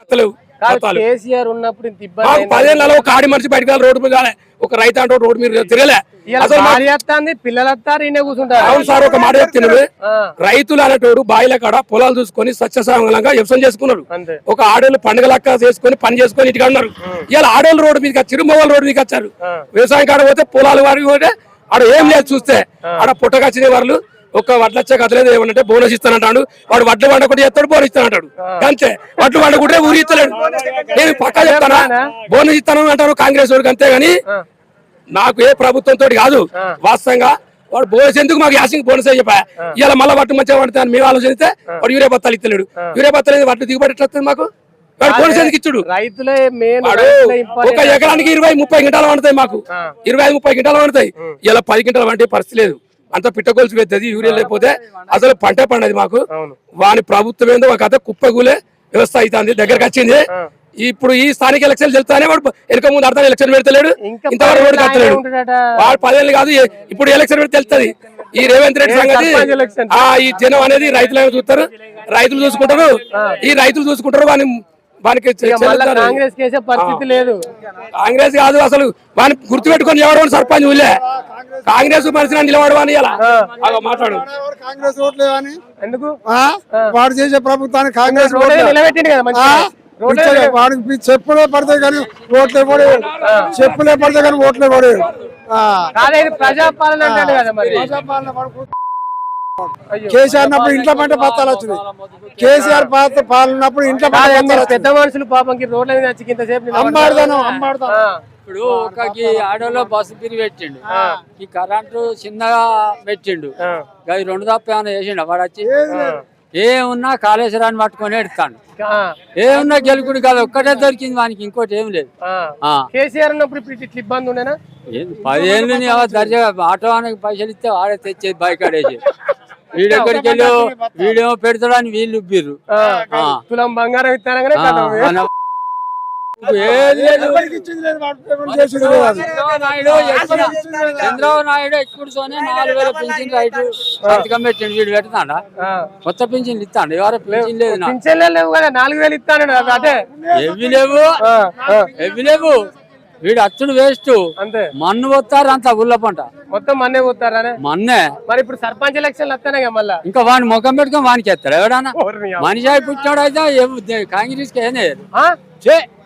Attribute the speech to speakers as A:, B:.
A: తెలియవు
B: కేసీఆర్ ఉన్నప్పుడు ఇంత ఇబ్బంది
A: మాకు 10 ఏళ్ళలో ఒక ఆడి మనిషి బయటకు రోడ్డు మీద కాలే, ఒక రైతు అంటే రోడ్డు మీద తిరగలే.
B: పిల్లలు వస్తారు ఈయన కూర్చుంటారు.
A: అవును సార్, ఒక మాట చెప్తున్నది, రైతులు అనేటోడు బాయిల కాడ పొలాలు చూసుకొని సత్యసాంగంగా వ్యవసాయం చేసుకున్నాడు. ఒక ఆడోళ్ళు పండుగ లెక్క చేసుకొని పని చేసుకొని ఇంటికి అన్నారు. ఇలా ఆడోళ్ళు రోడ్డు మీదకి వచ్చారు, మొగోళ్ళు రోడ్డు మీదకి వచ్చారు. వ్యవసాయం కాడ పోతే పొలాలు వారికి పోతే ఆడ ఏం లేదు, చూస్తే ఆడ పుట్టకొచ్చిన వాళ్ళు ఒక వడ్ల వచ్చే కథలేదు, ఏమంటే బోనస్ ఇస్తానంటాడు. వాడు వడ్లు వండకుండా చేస్తాడు, బోనస్ ఇస్తానంటాడు. అంతే, వడ్లు వండకుంటే ఊరి ఇస్తలేడు. నేను పక్కా చెప్తానా, బోనస్ ఇస్తాను అంటారు కాంగ్రెస్ వాడికి, అంతేగాని నాకు ఏ ప్రభుత్వంతో కాదు. వాస్తవంగా వాడు బోనస్ ఎందుకు మాకు యాసింగ్ బోనస్ అని చెప్పా. ఇలా మళ్ళీ వడ్లు మంచిగా పడతాను మేము ఆలోచిస్తే వాడు యూరియా బత్తాలు ఇస్తలేడు. యూరియా బత్తాలు వడ్లు దిగుబడి ఎట్లా వస్తుంది మాకు? వాడు బోనస్ ఎందుకు ఇచ్చాడు? ఒక ఎకరానికి 20-30 గింటాలు వండుతాయి మాకు, 25-30 గింటాలు వండుతాయి. ఇలా 10 గింటాలు వండే పరిస్థితి లేదు. అంత పిట్టగొలుసు పెద్దది, యూరియా లేకపోతే అసలు పంట పండది మాకు. వాని ప్రభుత్వం ఏందో ఒక కథ కుప్పగూలే వ్యవస్థ అవుతుంది, దగ్గరకు వచ్చింది. ఇప్పుడు ఈ స్థానిక ఎలక్షన్ తెలుస్తానే వాడు వెనక ముందు అర్థం ఎలక్షన్ పెడతలేడు, ఇంతవరకు రోడ్డు కట్టలేడు. వాడు 10 ఏళ్ళు కాదు, ఇప్పుడు ఎలక్షన్ పెడితే తెలుస్తుంది ఈ రేవంత్ రెడ్డి సంగతి. ఈ జనం అనేది రైతులను చూస్తారు, రైతులు చూసుకుంటారు, ఈ రైతులు చూసుకుంటారు. వానికి
B: కాంగ్రెస్ చేసే పరిస్థితి లేదు.
A: కాంగ్రెస్ కాదు అసలు, వాని గుర్తు పెట్టుకొని ఎవరు సర్పంచ్ ఊళ్ళే కాంగ్రెస్ మనిషి నిలబడవా అని ఇలా మాట్లాడు.
C: కాంగ్రెస్ ఓట్లే అని
B: ఎందుకు
C: వాడు చేసే ప్రభుత్వానికి కాంగ్రెస్
B: నిలబెట్టింది కదా,
C: వాడికి చెప్పులే పడతాయి కానీ ఓట్లే పడే, చెప్పులే పడతాయి కానీ ఓట్లే పడే.
B: ప్రజాపాలన అంటాడు కదా మరి.
C: కేసీఆర్ ఉన్నప్పుడు ఇంట్లో పంట పత్తాలు వచ్చినాయి, కేసీఆర్ పాలనప్పుడు ఇంట్లో
B: పెద్ద మనుషులు పాపంకి రోడ్ల మీద వచ్చి ఇంతసేపు
C: అమ్మాడుతాను.
D: ఇప్పుడు ఒక ఆటోలో బస్సు తిరిగి పెట్టిండు, ఈ కరెంటు చిన్నగా పెట్టిండు, అది 2 తప్ప ఏమైనా చేసిండు. వాడు వచ్చి ఏమున్నా కాళేశ్వరాన్ని పట్టుకొని ఎడతాడు, ఏమున్నా గెలుకుడు కాదు, ఒక్కటే దొరికింది వానికి, ఇంకోటి ఏం లేదు.
B: కేసీఆర్ ఉన్నప్పుడు ఇట్లా ఇబ్బంది ఉండేనా?
D: 10 ఏళ్ళు దర్జాగా ఆటో ఆయనకి పైసలు ఇస్తే వాడే తెచ్చేది బైక్ ఆడేసి, వీడెక్కడికి వెళ్ళి వీడేమో పెడతాడని వీళ్ళు ఉబ్బిర్రు.
B: తులం బంగారం ఇస్తానగానే
D: చంద్రబాబు నాయుడు ఎక్కుడు 4,000 పింఛన్ రైతు సంతకం పెట్టిండు. వీడు పెడతాడా? కొత్త పింఛన్లు ఇస్తాడు, ఎవరో పింఛన్ లేదు.
B: పింఛన్ లేవు కదా, 4,000 ఇస్తాను. అదే
D: ఎవి లేవు. వీడు అచ్చుడు వేస్ట్, అంతే. మన్ను పోతారు అంత ఉల్ల పంట
B: మొత్తం మన్నే పోతారా?
D: మన్నే.
B: మరి ఇప్పుడు సర్పంచ్ ఎలక్షన్లు వస్తానే మళ్ళా
D: ఇంకా వాని ముఖం పెట్టుకొని వానికి ఎత్తాడు ఎవడన్నా. మనిషి పుట్టినాడు అయితే కాంగ్రెస్ కి ఏనే